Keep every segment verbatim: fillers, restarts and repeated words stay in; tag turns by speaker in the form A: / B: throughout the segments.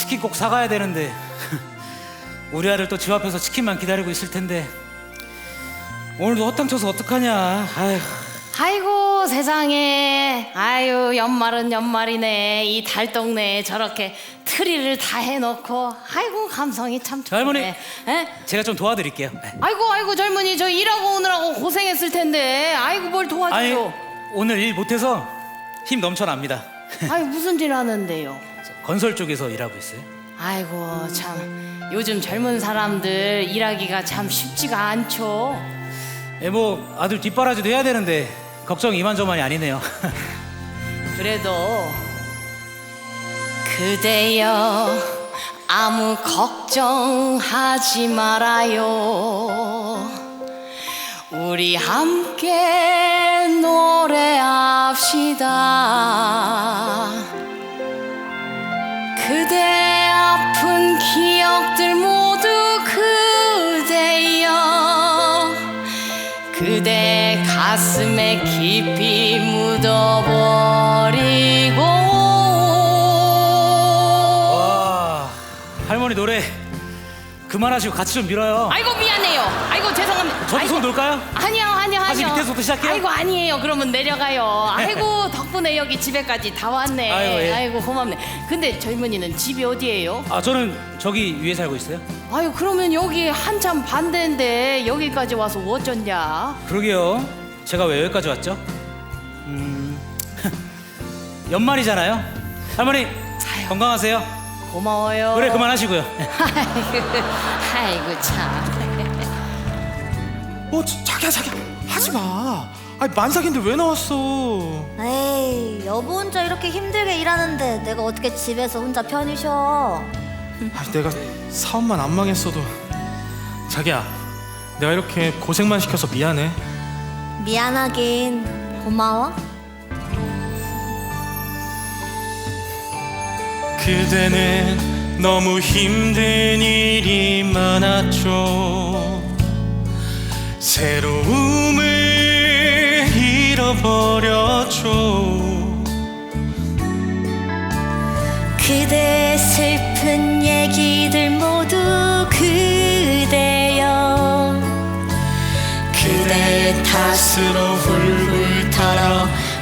A: 치킨 꼭 사가야 되는데 우리 아들 또 집 앞에서 치킨만 기다리고 있을 텐데 오늘도 허탕쳐서 어떡하냐. 아휴.
B: 아이고 세상에. 아유 연말은 연말이네. 이 달동네에 저렇게 트리를 다 해놓고. 아이고 감성이 참 좋네.
A: 할머니,
B: 에?
A: 제가 좀 도와드릴게요.
B: 아이고 아이고 젊은이 저 일하고 오느라고 고생했을 텐데. 아이고 뭘
A: 아니
B: 도와줘요.
A: 오늘 일 못해서 힘 넘쳐납니다.
B: 아이 무슨 일 하는데요?
A: 건설 쪽에서 일하고 있어요.
B: 아이고 참 요즘 젊은 사람들 일하기가 참 쉽지가 않죠.
A: 예, 뭐 아들 뒷바라지도 해야 되는데 걱정 이만저만이 아니네요.
B: 그래도 그대여 아무 걱정하지 말아요. 우리 함께 노래합시다. 그대 아픈 기억들 모두 그대여 그대 가슴에 깊이 묻어버리고.
A: 와, 할머니 노래 그만하시고 같이 좀 밀어요.
B: 아이고 미안해요. 아이고 죄송합니다.
A: 저도
B: 아이고,
A: 손 놓을까요?
B: 아니요 아니요
A: 다시
B: 아니요.
A: 밑에서부터 시작해요?
B: 아이고 아니에요. 그러면 내려가요. 아이고 덕분에 여기 집에까지 다 왔네.
A: 아이고, 예.
B: 아이고 고맙네. 근데 젊은이는 집이 어디예요?
A: 아 저는 저기 위에 살고 있어요.
B: 아유 그러면 여기 한참 반대인데 여기까지 와서 어쩐냐?
A: 그러게요. 제가 왜 여기까지 왔죠? 음... 연말이잖아요. 할머니 건강하세요.
B: 고마워요.
A: 그래 그만하시고요.
B: 아이고 참.
C: 어, 자- 자기야 자기야 하지마. 아니 만삭인데 왜 나왔어?
D: 에이, 여보 혼자 이렇게 힘들게 일하는데 내가 어떻게 집에서 혼자 편히 쉬어.
C: 아니 내가 사업만 안 망했어도. 자기야 내가 이렇게 고생만 시켜서 미안해.
D: 미안하긴 고마워.
C: 그대는 너무 힘든 일이 많았죠. 새로움을 잃어버렸죠.
D: 그대 슬픈 얘기들 모두 그대여
C: 그대 탓으로 훌훌 털어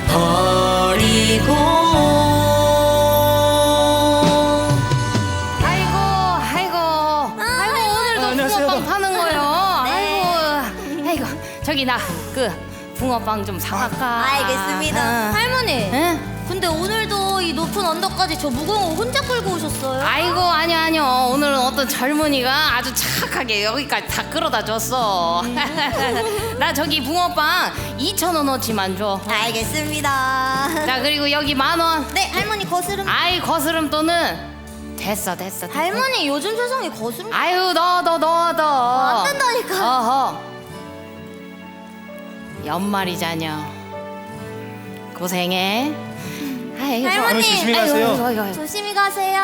C: 버리고.
B: 아이고 아이고 아이고 오늘도
A: 안녕하세요.
B: 붕어빵 파는 거요.
D: 네.
B: 아이고 아이고 저기 나 그 붕어빵 좀 사갈까?
D: 알겠습니다.
B: 어.
D: 할머니,
B: 응?
D: 근데 오늘도 이 높은 언덕까지 저 무거운 거 혼자 끌고 오셨어요?
B: 아이고 아니요 아니요 오늘은 어떤 젊은이가 아주 착하게 여기까지 다 끌어다 줬어. 나 저기 붕어빵 이천 원어치만 줘.
D: 알겠습니다.
B: 자 그리고 여기 만 원.
D: 네, 할머니 거스름.
B: 아이 거스름 돈은 됐어 됐어. 됐어.
D: 할머니 요즘 세상에 거스름
B: 아유 넣어 넣어 넣어 넣어.
D: 안 된다니까.
B: 어허. 연말이잖여. 고생해. 아이고.
D: 할머니,
C: 조심히 가세요.
B: 아이고, 아이고, 아이고.
D: 조심히 가세요.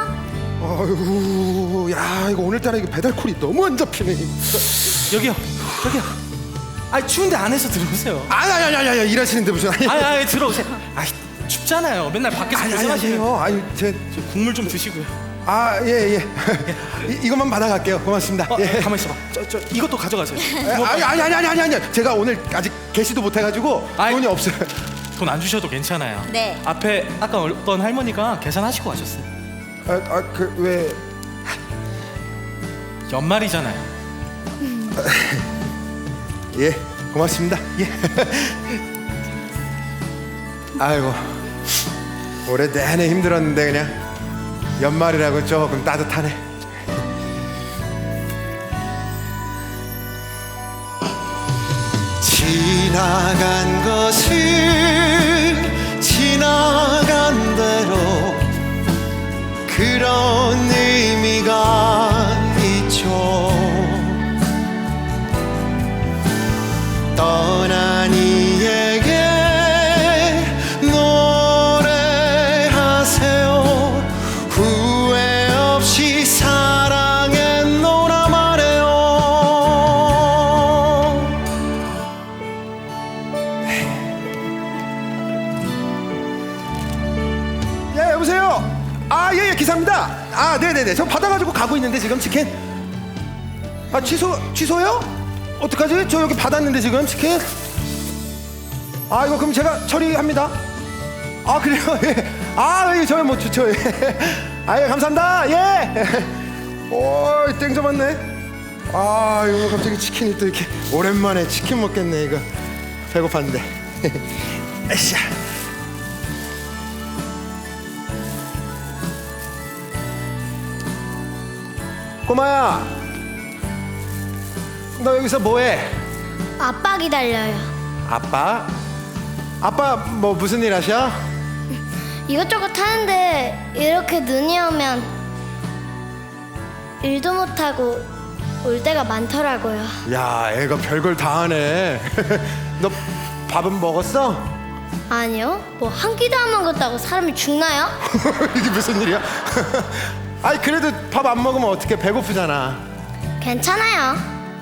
E: 아이고, 야 이거 오늘따라 이거 배달콜이 너무 안 잡히네.
C: 여기요 여기요. 아니 추운데 안에서 들어오세요.
E: 아니 아니 아니 아니 일하시는데 무슨 아니
C: 아니 아니 들어오세요. 아이 춥잖아요. 맨날 밖에서
E: 아니 아니
C: 고생하시네요.
E: 아니에요. 아니 제
C: 국물 좀 드시고요.
E: 아 예 예. 이, 이것만 받아갈게요. 고맙습니다.
C: 어,
E: 예.
C: 가만 있어봐. 저, 저 이것도 가져가세요.
E: 아니 아니 아니 아니 아니 아니. 제가 오늘 아직 개시도 못해가지고
C: 아이.
E: 돈이 없어요.
C: 돈 안 주셔도 괜찮아요.
D: 네.
C: 앞에 아까 어떤 할머니가 계산하시고 가셨어요.
E: 아그 왜?
C: 연말이잖아요.
E: 예 고맙습니다. 예. 아이고 올해 내내 힘들었는데 그냥 연말이라고 조금 따뜻하네.
F: 지나간 것은 지나간 대로 그런 의미가 있죠. 떠난 이에게 노래하세요. 후회 없이 사랑했노라 말해요.
E: 네네네. 저 받아가지고 가고 있는데 지금 치킨. 아 취소 취소요? 어떡하지? 저 여기 받았는데 지금 치킨. 아 이거 그럼 제가 처리합니다. 아 그래요? 예. 아 예, 저요 뭐 좋죠. 예. 아 예, 감사합니다. 예. 오, 땡 잡았네. 아 이거 갑자기 치킨이 또 이렇게 오랜만에 치킨 먹겠네 이거. 배고팠는데. 에이씨. 꼬마야, 너 여기서 뭐해?
D: 아빠 기다려요.
E: 아빠? 아빠 뭐 무슨 일 하셔?
D: 이것저것 하는데 이렇게 눈이 오면 일도 못하고 올 때가 많더라고요.
E: 야, 애가 별걸 다 하네. 너 밥은 먹었어?
D: 아니요, 뭐 한 끼도 안 먹었다고 사람이 죽나요?
E: 이게 무슨 일이야? 아니 그래도 밥 안 먹으면 어떻게 배고프잖아.
D: 괜찮아요.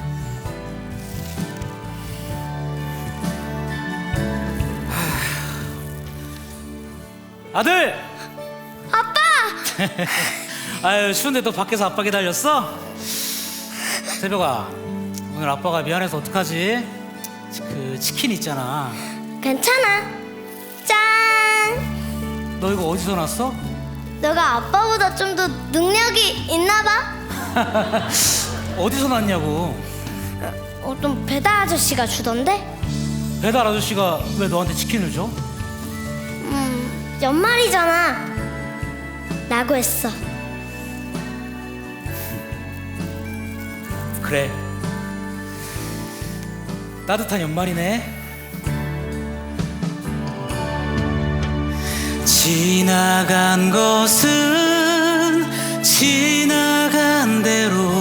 A: 아들!
D: 아빠!
A: 아유 추운데 또 밖에서 아빠 기다렸어? 새벽아, 오늘 아빠가 미안해서 어떡하지? 그 치킨 있잖아.
D: 괜찮아. 짠!
A: 너 이거 어디서 났어?
D: 너가 아빠보다 좀 더 능력이 있나 봐?
A: 어디서 났냐고.
D: 어떤 배달 아저씨가 주던데?
A: 배달 아저씨가 왜 너한테 치킨을 줘?
D: 음, 연말이잖아. 라고 했어.
A: 그래, 따뜻한 연말이네. 지나간 것은 지나간 대로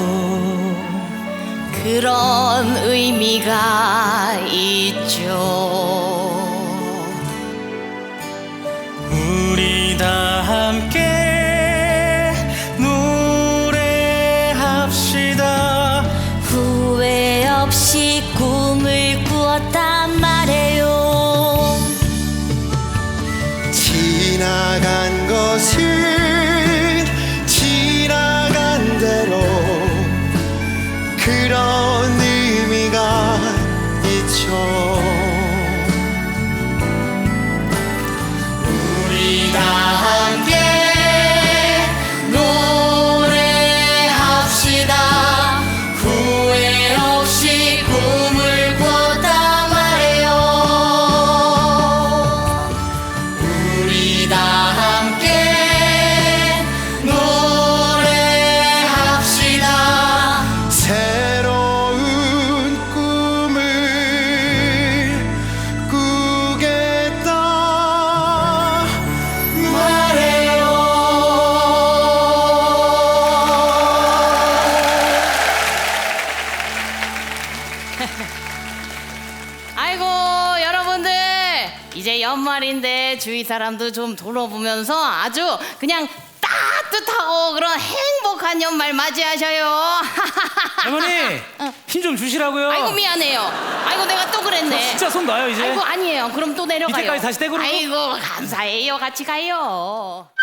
B: 그런 의미가 있죠.
A: 우리 다 함께 노래합시다.
B: 후회 없이 꿈을 꾸었단 말이에요.
F: 지나간 것은 지나간 대로 그런 의미가 있죠.
B: 우리 다 함께 노래합시다. 후회 없이 꿈을 꿨단 말이에요. 우리 다 함께 노래합시다.
F: 새로운 꿈을 꾸겠다 말해요.
B: 아이고 여러분들, 이제 연말인데 주위 사람도 좀 돌아보면서 아주 그냥 따뜻하고 그런 행복한 연말 맞이하셔요.
A: 할머니, 힘 좀 주시라고요.
B: 아이고 미안해요. 아이고 내가 또 그랬네.
A: 진짜 손 놔요 이제.
B: 아이고 아니에요. 그럼 또 내려가요.
A: 밑에까지 다시 떼고로?
B: 아이고 감사해요. 같이 가요.